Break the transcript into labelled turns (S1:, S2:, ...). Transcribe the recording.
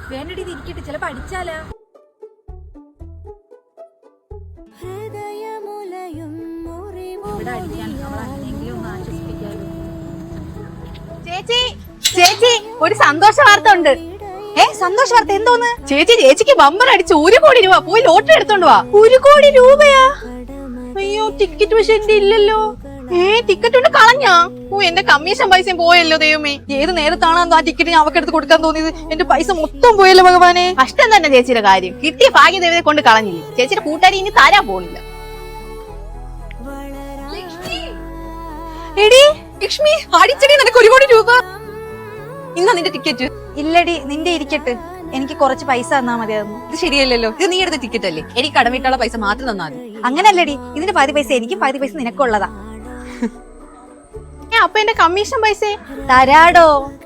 S1: വേണ്ടടി ഇരിക്കട്ടെ, ചിലപ്പോ അടിച്ചാലാ. ഇവിടെ അടിക്കാൻ അവളെങ്കിലും ഒന്ന് ആശ്വസിപ്പിക്കാലോ.
S2: ചേച്ചി ചേച്ചി, ഒരു സന്തോഷ വാർത്ത ഉണ്ട്.
S1: സന്തോഷ വാർത്ത എന്തോന്ന്?
S2: ചേച്ചിക്ക് ബമ്പർ അടിച്ച് 1 കോടി രൂപ. പോയി ലോട്ടറി എടുത്തോണ്ട് വാ.
S1: 1 കോടി രൂപയാ?
S2: അയ്യോ, ടിക്കറ്റ് പക്ഷെ എന്റെ ഇല്ലല്ലോ. ടിക്കറ്റ് കൊണ്ട് കളഞ്ഞാ? എന്റെ കമ്മീഷൻ പൈസയും പോയല്ലോ ദൈവമേ.
S1: ഏത് നേരത്താണ് ആ ടിക്കറ്റ് ഞാൻ അവക്കെടുത്ത് കൊടുക്കാൻ തോന്നിയത്? എന്റെ പൈസ മൊത്തം പോയല്ലോ ഭഗവാനെ.
S2: കഷ്ടം തന്നെ ചേച്ചിയുടെ കാര്യം. കിട്ടിയ ഭാഗ്യദേവതയെ കൊണ്ട് കളഞ്ഞില്ലേ. ചേച്ചിയുടെ കൂട്ടുകാരി ഇനി തരാൻ പോണില്ല.
S1: എടി
S2: ലക്ഷ്മി, അടിച്ചടി നിനക്ക് 1 കോടി രൂപ. ഇന്നാ നിന്റെ ടിക്കറ്റ്.
S1: ഇല്ലടി, നിന്റെ ഇരിക്കട്ടെ. എനിക്ക് കുറച്ച് പൈസ തന്നാ മതിയായിരുന്നു.
S2: ഇത് ശരിയല്ലല്ലോ. ഇത് നീ എടുത്ത ടിക്കറ്റ് അല്ലേ? എനിക്ക് കടമിട്ടുള്ള പൈസ മാത്രം തന്നാ മതി.
S1: അങ്ങനല്ലടി, ഇതിന്റെ പകുതി പൈസ എനിക്കും പകുതി പൈസ നിനക്കുള്ളതാ.
S2: അപ്പൊ എന്റെ കമ്മീഷൻ പൈസ
S1: തരാടോ.